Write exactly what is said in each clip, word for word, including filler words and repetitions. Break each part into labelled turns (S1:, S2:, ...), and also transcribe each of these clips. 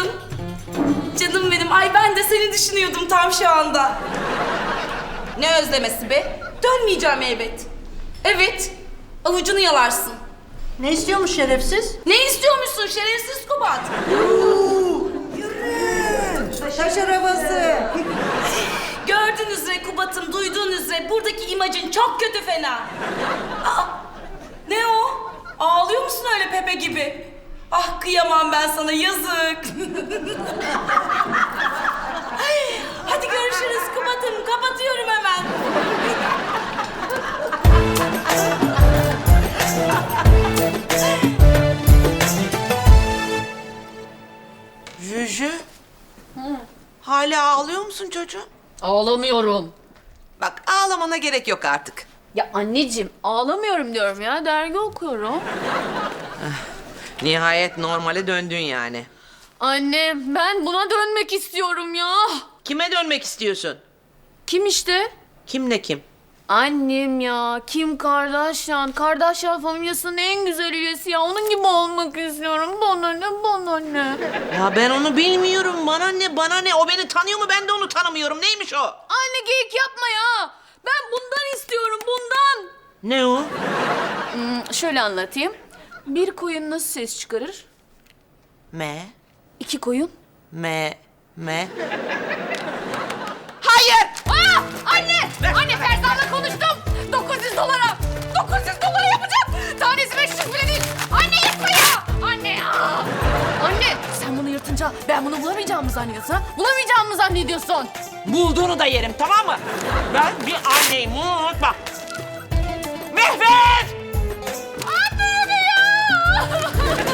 S1: Canım benim, ay ben de seni düşünüyordum tam şu anda. Ne özlemesi be? Dönmeyeceğim elbet. Evet, avucunu yalarsın.
S2: Ne istiyormuş şerefsiz?
S1: Ne istiyormuşsun şerefsiz Kubat?
S2: Taş arabası.
S1: Gördüğünüz üzere Kubat'ım, duyduğunuz üzere buradaki imajın çok kötü fena. Aa, ne o? Ağlıyor musun öyle Pepe gibi? Ah kıyamam ben sana, yazık. Hadi görüşürüz Kubat'ım, kapatıyorum hemen.
S3: Jüjü. Hala ağlıyor musun çocuğum?
S4: Ağlamıyorum.
S3: Bak ağlamana gerek yok artık.
S4: Ya anneciğim ağlamıyorum diyorum ya. Dergi okuyorum.
S3: Nihayet normale döndün yani.
S4: Anne ben buna dönmek istiyorum ya.
S3: Kime dönmek istiyorsun?
S4: Kim işte?
S3: Kim ne kim?
S4: Annem ya. Kim Kardashian. Kardashian familyasının en güzel üyesi ya. Onun gibi olmak istiyorum. Bana ne, bana ne.
S3: Ya ben onu bilmiyorum. Bana ne, bana ne? O beni tanıyor mu? Ben de onu tanımıyorum. Neymiş o?
S4: Anne geyik yapma ya. Ben bundan istiyorum, bundan.
S3: Ne o?
S4: Hmm, şöyle anlatayım. Bir koyun nasıl ses çıkarır?
S3: Me,
S4: İki koyun.
S3: me, me. Hayır!
S4: Aa! Anne! Anne Ferzan'la konuştum. dokuz yüz dolara. dokuz yüz dolara yapacağım. Tanesi beş yüz bile değil. Anne yırtma ya! Anne ya! Anne sen bunu yırtınca ben bunu bulamayacağımı mı zannediyorsun ha? Bulamayacağımı mı zannediyorsun?
S3: Bulduğunu da yerim, tamam mı? Ben bir anneyim, bunu unutma. Mehmet!
S4: Anne ya!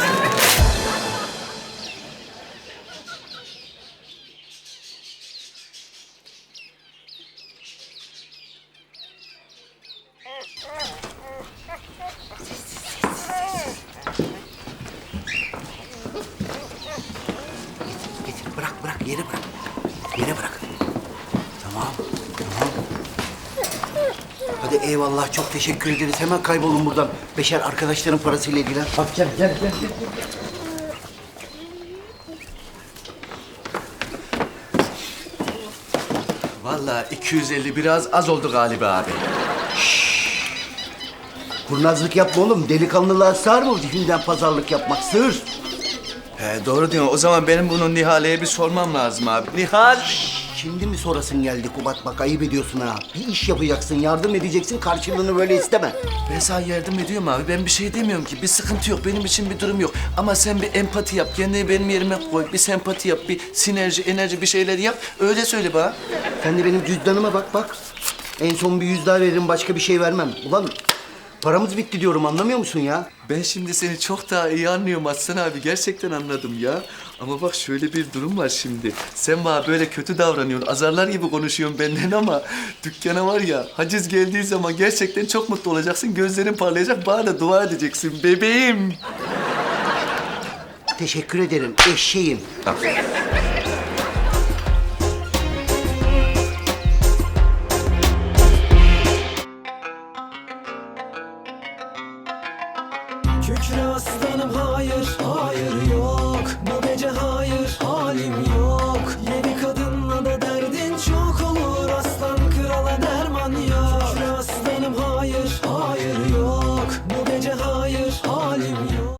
S5: Getir, bırak, bırak, yere bırak. Yere bırak. Tamam, tamam. Hadi eyvallah, çok teşekkür ederiz. Hemen kaybolun buradan. Beşer arkadaşların parasıyla ilgilen. Bak gel, gel, gel, gel.
S6: Vallahi iki yüz elli biraz az oldu galiba abi.
S5: Kurnazlık yapma oğlum. Delikanlılığa sığar mı zihinden pazarlık yapmak? Sığır.
S6: He, doğru diyorsun. O zaman benim bunu Nihale'ye bir sormam lazım abi. Nihal!
S5: Şimdi mi sorasın geldi Kubat? Bak ayıp ediyorsun ha. Bir iş yapacaksın, yardım edeceksin. Karşılığını böyle isteme.
S6: Ben sana yardım ediyorum abi. Ben bir şey demiyorum ki. Bir sıkıntı yok. Benim için bir durum yok. Ama sen bir empati yap. Kendini benim yerime koy. Bir sempati yap. Bir sinerji, enerji bir şeyler yap. Öyle söyle bana.
S5: Sen de benim cüzdanıma bak bak. En son bir yüz daha veririm, başka bir şey vermem. Ulan paramız bitti diyorum, anlamıyor musun ya?
S6: Ben şimdi seni çok daha iyi anlıyorum Aslan abi. Gerçekten anladım ya. Ama bak şöyle bir durum var şimdi. Sen bana böyle kötü davranıyorsun. Azarlar gibi konuşuyorsun benden ama dükkana var ya haciz geldiği zaman gerçekten çok mutlu olacaksın. Gözlerin parlayacak. Bana da dua edeceksin bebeğim.
S5: Teşekkür ederim eşeğim.
S7: Kükre aslanım hayır, hayır yok. Bu gece hayır, halim yok.